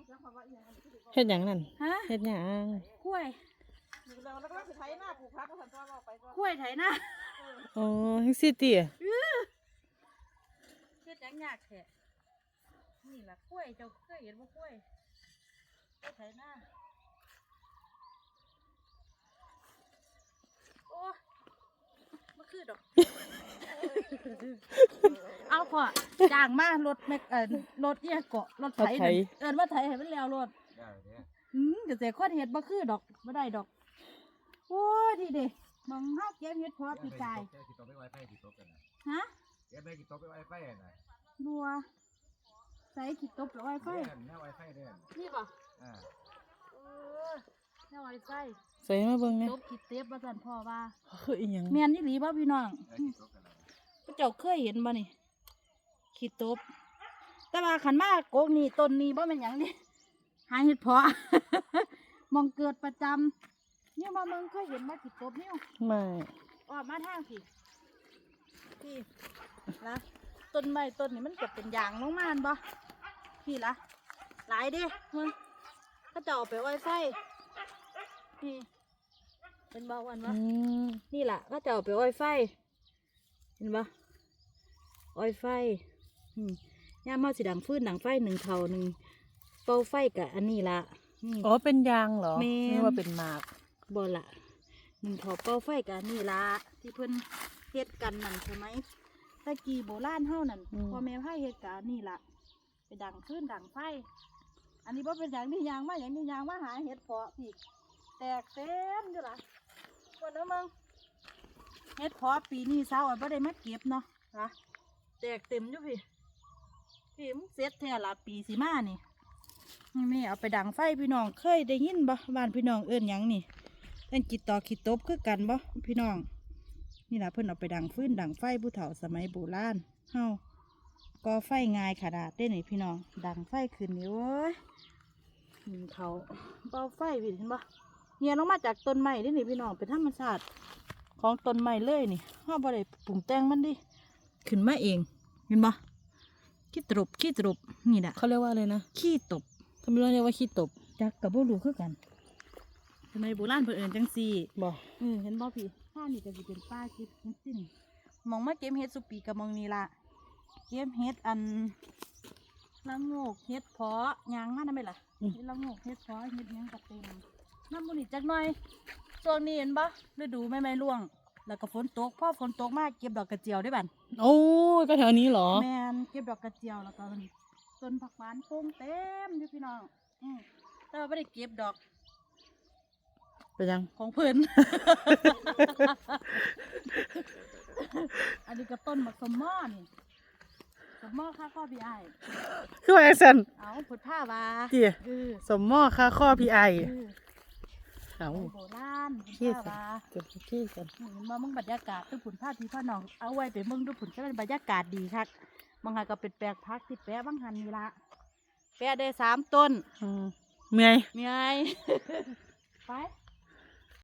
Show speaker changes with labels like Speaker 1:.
Speaker 1: เฮ็ดหยังนั่น
Speaker 2: ฮะ
Speaker 1: เฮ็ดหยัง
Speaker 2: กล้วย
Speaker 3: แล้วก็สิไถหน้าปลูกผักก็สั่นตัวเราไปก็
Speaker 2: กล้วยไถนา
Speaker 1: อ๋อจังซี่ติ
Speaker 2: เฮ็ดหยังยากแท้นี่ล่ะกล้วยเจ้าเคยเห็นบ่กล้วยไถนาโอ้บ่คือดอก เอาพ่อจ้างมารถแม็กรถเนี่ยเกาะรถไถนั่นเอิ้นว่าไถให้มันแล้วรถเกษตรคนเฮ็ดบ่คือดอกบ่ได้ดอกโอ้ยดีเด้มองเฮาเก็บเฮ็ดพอปีกายฮะบัวใส่ขี้ตบแล้วไวไฟนี่บ่แนวไวไฟ
Speaker 1: ใส่มาเบิ่งแหน่
Speaker 2: ตบขี้เต็บว่าซั่นพ่อว่า
Speaker 1: คืออีหยัง
Speaker 2: แม่นอีหลีบ่พี่น้องเจ้าเคยเห็นบ่นี่ขี้ตบแต่ว่าขันมากโกกนี่ต้นนี้บ่แม่นหยังนี่หาเห็ดเพาะ มองเกิดประจำเนี่ยมาเมืองเคยเห็นมาขี้ตบนี่
Speaker 1: ไม่
Speaker 2: ออกมาทางพี่ละต้นไม้ต้นนี้มันจะเป็นยางลงมาบ่พี่ละหลายเด้มึงก็จะเอาไปไว้ไฟนี่เป็นบ่วันวะ นี่แหละก็จะเอาไปอ้อยไฟเห็นปะอ้อยไฟย่ามเฮาสิดังฟืนดังไฟหนึ่งเท่าหนึ่งเป่าไฟกับอันนี้ละ
Speaker 1: อ๋อเป็นยางเหรอ
Speaker 2: แม่น
Speaker 1: นึกว่าเป็นหมาก
Speaker 2: บ่ละหนึ่งเท่าเป่าไฟกับอันนี้ละที่เพิ่นเฮ็ดกันนั่นใช่ไหมตะกี้โบราณเฮานั่นพ่อแม่พาเฮ็ดกับอันนี้ละไปดังฟืนดังไฟอันนี้บ่เป็นอย่างนี้ยางมาอย่างนี้ยางมาหาเห็ดเพาะพี่แตกเต็มอยู่ล่ะวันนั้นมึง เฮ็ดเพาะปีนี้สาวอ่ะบ่ได้มาเก็บเนาะนะแตกเต็มอยู่พี่มึงเสร็จแท้ละปีสิมานี่แม่เอาไปดังไฟพี่น้องเคยได้ยินบ่บ้านพี่น้องเอิ้นหยังนี่เอิ้นจิตต่อขีดตบคือกันบ่พี่น้องนี่ล่ะเพิ่นเอาไปดังฟืนดังไฟผู้เฒ่าสมัยโบราณเฮาก่อไฟง่ายขนาดได้นี่พี่น้องดังไฟขึ้นนี่โอ้ยเขาเบาไฟพี่เห็นบ่เงียลงมาจากต้นไม้ได้นี่พี่น้องเป็นธรรมชาติของต้นไม้เลยนี่ห้าบ่ได้ปรุงแต่งมันดิขึ้นมาเองเห็นบ่ขี้ตบนี่แหละ
Speaker 1: เขาเรียกว่าอะไรนะ
Speaker 2: ขี้ตบ
Speaker 1: ทำไมเรียกว่าขี้ตบ
Speaker 2: จักกับบ่รู้คือกันทำไมโบราณเพิ่นเอิ้นจังซี่
Speaker 1: บ่
Speaker 2: เห็นบ่พี่ข้านี่ก็สิเป็นป้าเก็บเฮ็ดสินี่มองมาเก็บเฮ็ดสุปีกับมองนี่ล่ะเก็บเฮ็ดอันละโงกเฮ็ดเพาะยางมาได้ไหมล่ะเฮ็ดละโงกเฮ็ดเพาะเฮ็ดหยังก็เต็มน้ำบ่นี่จักหน่อยช่วงนี้เห็นบ่ฤดูใบไม้ร่วงแล้วก็ฝนตกพอฝนตกมาเก็บดอกกระเจียวได้บัด
Speaker 1: โอ้ยก็แถวนี้เหรอ
Speaker 2: แม่นเก็บดอกกระเจียวแล้วก็ต้นผักหวานปลูกเต็มอยู่พี่น้องแต่ว่าไม่ได้เก็บดอก
Speaker 1: ไปยัง
Speaker 2: ของเพิ่น อันนี้ก็ต้นบักสมหม้อนี่สมหม้อค่าข้อพี่ไอ
Speaker 1: คือว่าแอคเซน
Speaker 2: เอาผุดผ้าวา
Speaker 1: เจี๋ยสมหม้อค่าข้อพี่ไอเอา
Speaker 2: โบราณผุด
Speaker 1: ขี้
Speaker 2: ผ้า
Speaker 1: สั
Speaker 2: วา
Speaker 1: เก็บขี้กัน
Speaker 2: เห็นว่ามึงบรรยากาศทุกผุนผ้าที่พ่อน้องเอาไว้ไปมึงดูผุนก็เป็นบรรยากาศดีครับบางหันก็เป็นแปลงพักที่แปะบางหันนี่ละแปะได้3 ต้น
Speaker 1: เมื่อย
Speaker 2: มีไง ไป